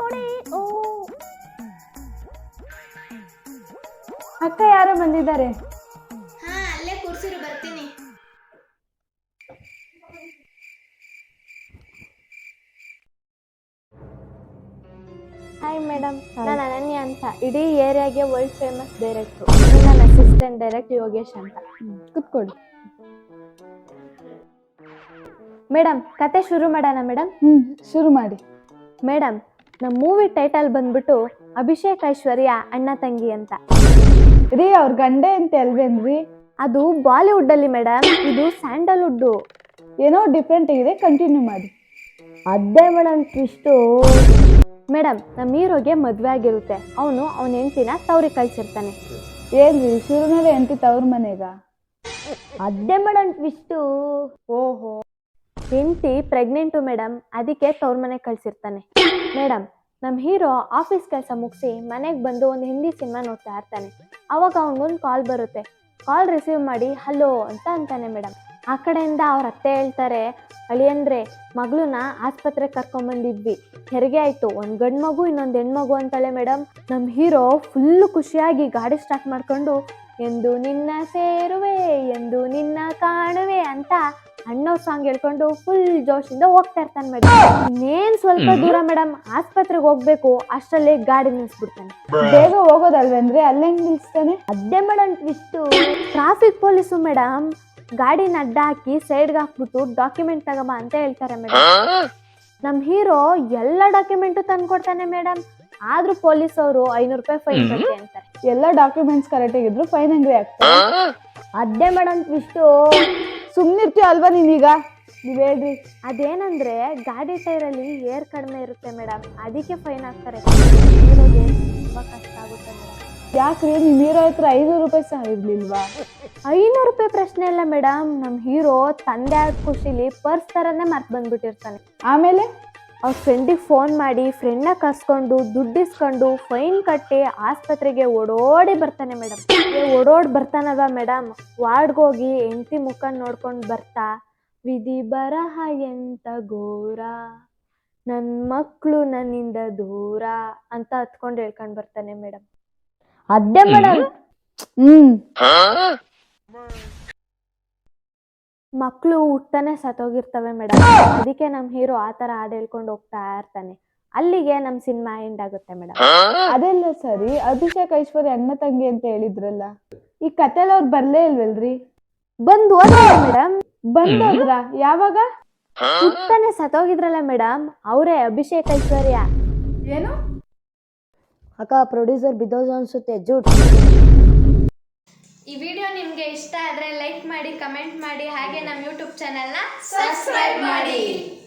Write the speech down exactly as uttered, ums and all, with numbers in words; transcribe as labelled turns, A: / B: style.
A: ಅಕ್ಕ ಯಾರೋ ಬಂದಿದ್ದಾರೆ.
B: ಹಾ ಅಲ್ಲೇ ಕೂರ್ಸಿರು, ಬರ್ತೀನಿ.
A: ಹಾಯ್ ಮೇಡಮ್, ನಾನು ಅನನ್ಯ ಅಂತ, ಇಡೀ ಏರಿಯಾಗೆ ವರ್ಲ್ಡ್ ಫೇಮಸ್ ಡೈರೆಕ್ಟ್ರು. ನನ್ನ ಅಸಿಸ್ಟೆಂಟ್ ಡೈರೆಕ್ಟ್ ಯೋಗೇಶ್ ಅಂತ.
C: ಕುತ್ಕೊಡಿ.
A: ಮೇಡಮ್, ಕತೆ ಶುರು ಮಾಡೋಣ ಮೇಡಮ್?
C: ಹ್ಮ್ ಶುರು ಮಾಡಿ.
A: ಮೇಡಮ್, ನಮ್ಮ ಮೂವಿ ಟೈಟಲ್ ಬಂದ್ಬಿಟ್ಟು ಅಭಿಷೇಕ್ ಐಶ್ವರ್ಯ ಅಣ್ಣ ತಂಗಿ ಅಂತ.
C: ರೀ ಅವ್ರ ಗಂಡೆ ಅಂತ ಅಲ್ವೇನ್ರಿ?
A: ಅದು ಬಾಲಿವುಡ್ ಅಲ್ಲಿ ಮೇಡಮ್, ಇದು ಸ್ಯಾಂಡಲ್ವುಡ್.
C: ಏನೋ ಡಿಫ್ರೆಂಟ್ ಆಗಿದೆ, ಕಂಟಿನ್ಯೂ ಮಾಡಿ.
A: ಅದೇ ಮೇಡಮ್ ಟ್ವಿಸ್ಟು. ಮೇಡಮ್, ನಮ್ಮ ಹೀರೋಗೆ ಮದ್ವೆ ಆಗಿರುತ್ತೆ. ಅವನು ಅವನ ಹೆಂಡತಿನ ತವ್ರಿ ಕಳ್ಸಿರ್ತಾನೆ.
C: ಏನ್ರಿ ಶುರುನಲ್ಲೇ ಎಂತಿ ತವ್ರ ಮನೆಗ?
A: ಅದೇ ಮೇಡಮ್ ಟ್ವಿಸ್ಟು.
C: ಓಹೋ.
A: ಹೆಂಡತಿ ಪ್ರೆಗ್ನೆಂಟು ಮೇಡಮ್, ಅದಕ್ಕೆ ತವ್ರ ಮನೆಗೆ ಕಳ್ಸಿರ್ತಾನೆ. ಮೇಡಮ್, ನಮ್ಮ ಹೀರೋ ಆಫೀಸ್ ಕೆಲಸ ಮುಗಿಸಿ ಮನೆಗೆ ಬಂದು ಒಂದು ಹಿಂದಿ ಸಿನಿಮಾ ನೋಡ್ತಾ ಇರ್ತಾನೆ. ಅವಾಗ ಅವನಿಗೊಂದು ಕಾಲ್ ಬರುತ್ತೆ. ಕಾಲ್ ರಿಸೀವ್ ಮಾಡಿ ಹಲೋ ಅಂತ ಅಂತಾನೆ ಮೇಡಮ್. ಆ ಕಡೆಯಿಂದ ಅವ್ರ ಅತ್ತೆ ಹೇಳ್ತಾರೆ, ಅಳಿಯಂದ್ರೆ ಮಗಳನ್ನ ಆಸ್ಪತ್ರೆಗೆ ಕರ್ಕೊಂಬಂದಿದ್ವಿ, ಹೆರಿಗೆ ಆಯ್ತು, ಒಂದು ಗಂಡು ಮಗು ಇನ್ನೊಂದು ಹೆಣ್ಮಗು ಅಂತಾಳೆ ಮೇಡಮ್. ನಮ್ಮ ಹೀರೋ ಫುಲ್ಲು ಖುಷಿಯಾಗಿ ಗಾಡಿ ಸ್ಟಾರ್ಟ್ ಮಾಡ್ಕೊಂಡು ಎಂದು ನಿನ್ನ ಸೇರುವೆ ಎಂದು ನಿನ್ನ ಕಾಣುವೆ ಅಂತ ಅಣ್ಣವ್ರ ಸಾಂಗ್ ಹೇಳ್ಕೊಂಡು ಫುಲ್ ಜೋಶಿಂದ ಹೋಗ್ತಾ ಇರ್ತಾನೆ ಮೇಡಮ್. ಇನ್ನೇನ್ ಸ್ವಲ್ಪ ದೂರ ಮೇಡಮ್, ಆಸ್ಪತ್ರೆಗೆ ಹೋಗ್ಬೇಕು, ಅಷ್ಟರಲ್ಲಿ ಗಾಡಿ ನಿಲ್ಸ್ಬಿಡ್ತಾನೆ.
C: ಬೇಗ ಹೋಗೋದಲ್ವೇನ್ರಿ? ಅಲ್ಲೇ ನಿಲ್ಸ್ತಾನೆ.
A: ಅದೇ madam twist. Traffic police madam ಗಾಡಿನ ಅಡ್ಡ ಹಾಕಿ ಸೈಡ್ಗೆ ಹಾಕ್ಬಿಟ್ಟು ಡಾಕ್ಯುಮೆಂಟ್ ತಗೋಬಾ ಅಂತ ಹೇಳ್ತಾರೆ ಮೇಡಮ್. ನಮ್ ಹೀರೋ ಎಲ್ಲ ಡಾಕ್ಯುಮೆಂಟು ತಂದ್ಕೊಡ್ತಾನೆ ಮೇಡಮ್. ಆದ್ರೂ ಪೊಲೀಸ್ ಅವರು ಐನೂರು ರೂಪಾಯಿ ಫೈನ್ ಕಟ್ಟಿ ಅಂತಾರೆ.
C: ಎಲ್ಲ ಡಾಕ್ಯುಮೆಂಟ್ಸ್ ಕರೆಕ್ಟ್ ಆಗಿದ್ರು ಫೈನ್ ಹೆಂಗ್ರಿ ಆಗ್ತದೆ?
A: ಅದೇ ಮೇಡಮ್ ಟ್ವಿಸ್ಟು.
C: ಸುಮ್ನಿರ್ತೀಯ ಅಲ್ವಾ ನೀನೀಗ? ನೀವ್ ಹೇಳ್ರಿ.
A: ಅದೇನಂದ್ರೆ ಗಾಡಿ ಟೈರಲ್ಲಿ ಏರ್ ಕಡಿಮೆ ಇರುತ್ತೆ ಮೇಡಮ್, ಅದಕ್ಕೆ ಫೈನ್ ಹಾಕ್ತಾರೆ. ಹೀರೋಗೆ ತುಂಬಾ ಕಷ್ಟ ಆಗುತ್ತೆ ಮೇಡಮ್.
C: ಯಾಕ್ರಿ ನಿಮ್ ಹೀರೋ ಹತ್ರ ಐನೂರು ರೂಪಾಯಿ ಸಹ ಇರ್ಲಿಲ್ವಾ?
A: ಐನೂರು ರೂಪಾಯಿ ಪ್ರಶ್ನೆ ಇಲ್ಲ ಮೇಡಮ್, ನಮ್ ಹೀರೋ ತಂದೆ ಆದ ಖುಷಿಲಿ ಪರ್ಸ್ ತರನೇ ಮರ್ತ್ ಬಂದ್ಬಿಟ್ಟಿರ್ತಾನೆ.
C: ಆಮೇಲೆ
A: ಅವ್ರ ಫ್ರೆಂಡಿಗೆ ಫೋನ್ ಮಾಡಿ ಫ್ರೆಂಡ್ನ ಕರ್ಸ್ಕೊಂಡು ದುಡ್ಡಿಸ್ಕೊಂಡು ಫೈನ್ ಕಟ್ಟಿ ಆಸ್ಪತ್ರೆಗೆ ಓಡೋಡಿ ಬರ್ತಾನೆ ಮೇಡಮ್. ಓಡೋಡಿ ಬರ್ತಾನಲ್ವಾ ಮೇಡಮ್, ವಾರ್ಡ್ಗೋಗಿ ಹೆಂಡತಿ ಮುಖ ನೋಡ್ಕೊಂಡು ಬರ್ತಾ, ವಿಧಿ ಬರಹ ಎಂತ ಘೋರ, ನನ್ನ ಮಕ್ಕಳು ನನ್ನಿಂದ ದೂರ ಅಂತ ಹತ್ಕೊಂಡು ಹೇಳ್ಕೊಂಡು ಬರ್ತಾನೆ ಮೇಡಮ್. ಅದೇ ಮೇಡಮ್.
C: ಹ್ಮ್
A: ಮಕ್ಕಳು ಹುಟ್ಟಾನೆ ಸತ್ತೋಗಿರ್ತವೆ ಮೇಡಮ್, ಅದಕ್ಕೆ ನಮ್ಮ ಹೀರೋ ಆ ಥರ ಹಾಡು ಹೇಳ್ಕೊಂಡು ಹೋಗ್ತಾ ಇರ್ತಾನೆ. ಅಲ್ಲಿಗೆ ನಮ್ಮ ಸಿನಿಮಾ ಎಂಡ್ ಆಗುತ್ತೆ ಮೇಡಮ್.
C: ಅದೆಲ್ಲ ಸರಿ, ಅಭಿಷೇಕ್ ಐಶ್ವರ್ಯ ಅಣ್ಣ ತಂಗಿ ಅಂತ ಹೇಳಿದ್ರಲ್ಲ, ಈ ಕತೆಲ್ ಅವ್ರು ಬರ್ಲೇ ಇಲ್ವಲ್ರಿ?
A: ಬಂದು ಹೋದ್ರ ಮೇಡಮ್.
C: ಬಂದೋದ್ರ? ಯಾವಾಗ?
A: ಹುಟ್ಟಾನೆ ಸತ್ತೋಗಿದ್ರಲ್ಲ ಮೇಡಮ್, ಅವರೇ ಅಭಿಷೇಕ್ ಐಶ್ವರ್ಯ.
C: ಏನು
A: ಅಕ್ಕ, ಪ್ರೊಡ್ಯೂಸರ್ ಬಿದ್ದೋದು ಅನ್ಸುತ್ತೆ, ಜೂಟ್.
B: ಈ ವಿಡಿಯೋ ನಿಮಗೆ ಇಷ್ಟ ಆದರೆ ಲೈಕ್ ಮಾಡಿ, ಕಮೆಂಟ್ ಮಾಡಿ, ಹಾಗೆ ನಮ್ಮ ಯೂಟ್ಯೂಬ್ ಚಾನೆಲ್ನ ಸಬ್ಸ್ಕ್ರೈಬ್ ಮಾಡಿ.